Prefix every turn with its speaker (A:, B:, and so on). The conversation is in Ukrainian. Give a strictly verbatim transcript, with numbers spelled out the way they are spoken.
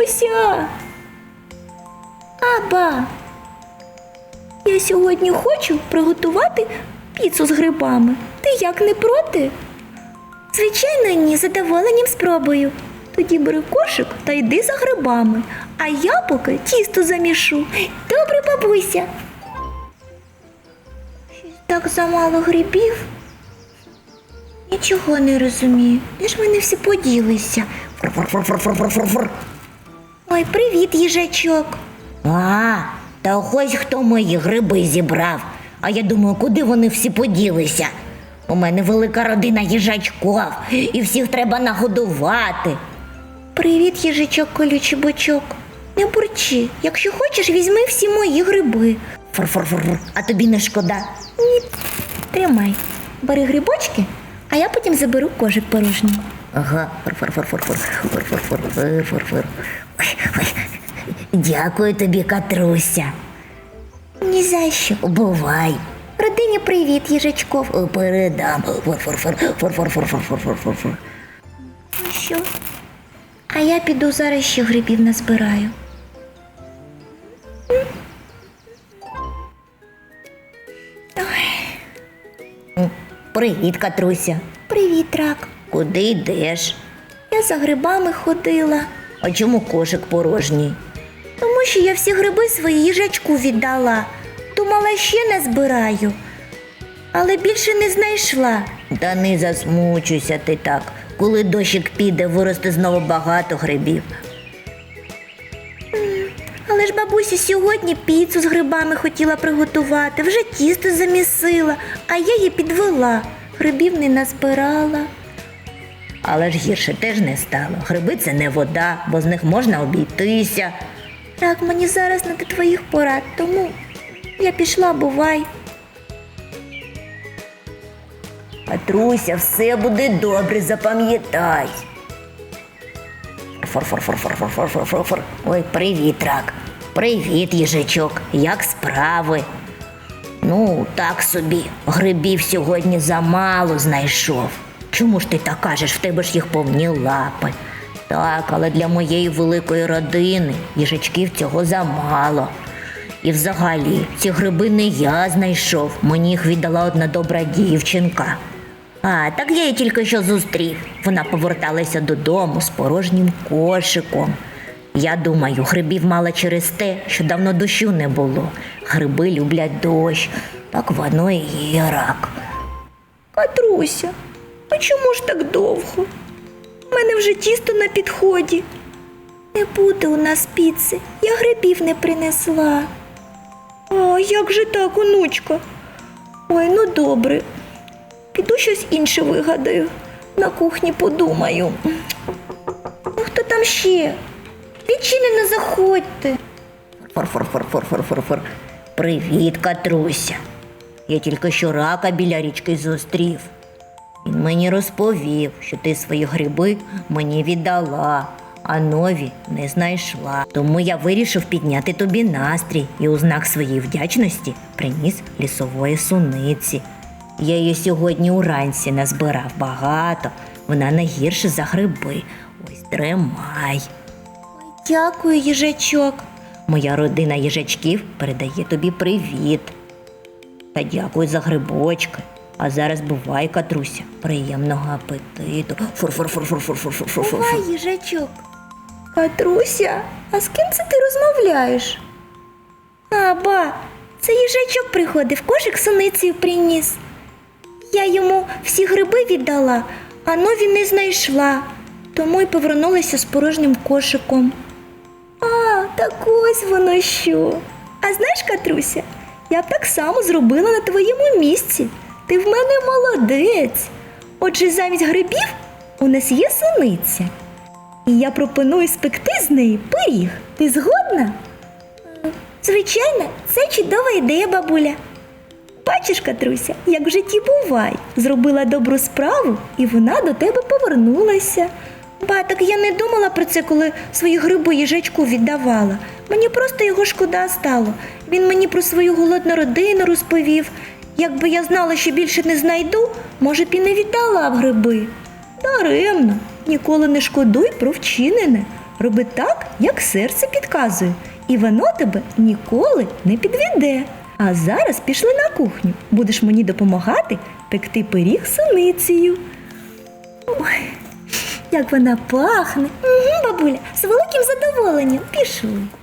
A: Катруся! Аба! Я сьогодні хочу приготувати піцу з грибами. Ти як, не проти? Звичайно, ні, з задоволенням спробую. Тоді бери кошик та йди за грибами, а я поки тісто замішу. Добре, бабуся. Щось так замало грибів. Нічого не розумію. Де ж вони всі поділися?
B: Фур-фур-фур-фур-фур-фур-фур.
A: Ой, привіт, їжачок.
B: А, та ось хто мої гриби зібрав. А я думаю, куди вони всі поділися? У мене велика родина їжачків, і всіх треба нагодувати.
A: Привіт, їжачок колючий бочок. Не бурчи. Якщо хочеш, візьми всі мої гриби.
B: Фур-фур-фур-фур. А тобі не шкода?
A: Ні, тримай. Бери грибочки, а я потім заберу кошик порожній.
B: Ага, фур-фур-фур-фур-фур. Фур-фур-фур-фур-фур. Ой, ой. Дякую тобі, Катруся.
A: Ні за що.
B: Бувай.
A: Родині привіт, їжачков.
B: Передам. Фур-фур-фур. Фур-фур-фур-фур-фур-фур.
A: Ну що? А я піду зараз ще грибів назбираю.
B: Привіт, Катруся.
A: Привіт, рак.
B: Куди йдеш?
A: Я за грибами ходила.
B: А чому кошик порожній?
A: Тому що я всі гриби свої їжачку віддала. Думала, ще назбираю. Але більше не знайшла.
B: Та не засмучуйся ти так. Коли дощик піде, виросте знову багато грибів.
A: Але ж бабуся сьогодні піцу з грибами хотіла приготувати, вже тісто замісила, а я її підвела. Грибів не назбирала.
B: Але ж гірше теж не стало. Гриби – це не вода, бо з них можна обійтися.
A: Так, мені зараз не до твоїх порад, тому я пішла, бувай.
B: Катруся, все буде добре, запам'ятай. Фор-фор-фор-фор-фор-фор-фор-фор. Ой, привіт, рак. Привіт, їжачок. Як справи? Ну, так собі. Грибів сьогодні замало знайшов. Чому ж ти так кажеш? В тебе ж їх повні лапи. Так, але для моєї великої родини їжачків цього замало. І взагалі, ці гриби не я знайшов. Мені їх віддала одна добра дівчинка. А, так я її тільки що зустрів. Вона поверталася додому з порожнім кошиком. Я думаю, грибів мала через те, що давно дощу не було. Гриби люблять дощ. Так воно і є, рак.
A: Катруся, а чому ж так довго? У мене вже тісто на підході. Не буде у нас піци, я грибів не принесла. А як же так, онучка? Ой, ну добре. Піду щось інше вигадаю. На кухні подумаю. Ну хто там ще? Відчинено, заходьте.
B: Фор-фор-фор-фор-фор-фор-фор. Привіт, Катруся. Я тільки що рака біля річки зустрів. Він мені розповів, що ти свої гриби мені віддала, а нові не знайшла. Тому я вирішив підняти тобі настрій і у знак своєї вдячності приніс лісової суниці. Я її сьогодні уранці назбирав багато, вона не гірше за гриби. Ось тримай.
A: Дякую, їжачок.
B: Моя родина їжачків передає тобі привіт. Та дякую за грибочки. А зараз бувай, Катруся, приємного апетиту. Фур-фур-фур-фур-фур-фур-фур-фур.
A: Бувай, їжачок. Катруся, а з ким це ти розмовляєш? А, ба, це їжачок приходив, кошик з суницею приніс. Я йому всі гриби віддала, а нові не знайшла, тому й повернулася з порожнім кошиком. А, так ось воно що. А знаєш, Катруся, я б так само зробила на твоєму місці. Ти в мене молодець. Отже, замість грибів у нас є суниця. І я пропоную спекти з неї пиріг. Ти згодна? Звичайно, це чудова ідея, бабуля. Бачиш, Катруся, як в житті буває. Зробила добру справу, і вона до тебе повернулася. Ба, так я не думала про це, коли свої гриби їжачку віддавала. Мені просто його шкода стало. Він мені про свою голодну родину розповів. Якби я знала, що більше не знайду, може б і не віддала б гриби. Даремно, ніколи не шкодуй про вчинене. роби так, як серце підказує, і воно тебе ніколи не підведе. А зараз пішли на кухню. Будеш мені допомагати пекти пиріг з суницею. Ой, як вона пахне. Угу, бабуля, з великим задоволенням. Пішли.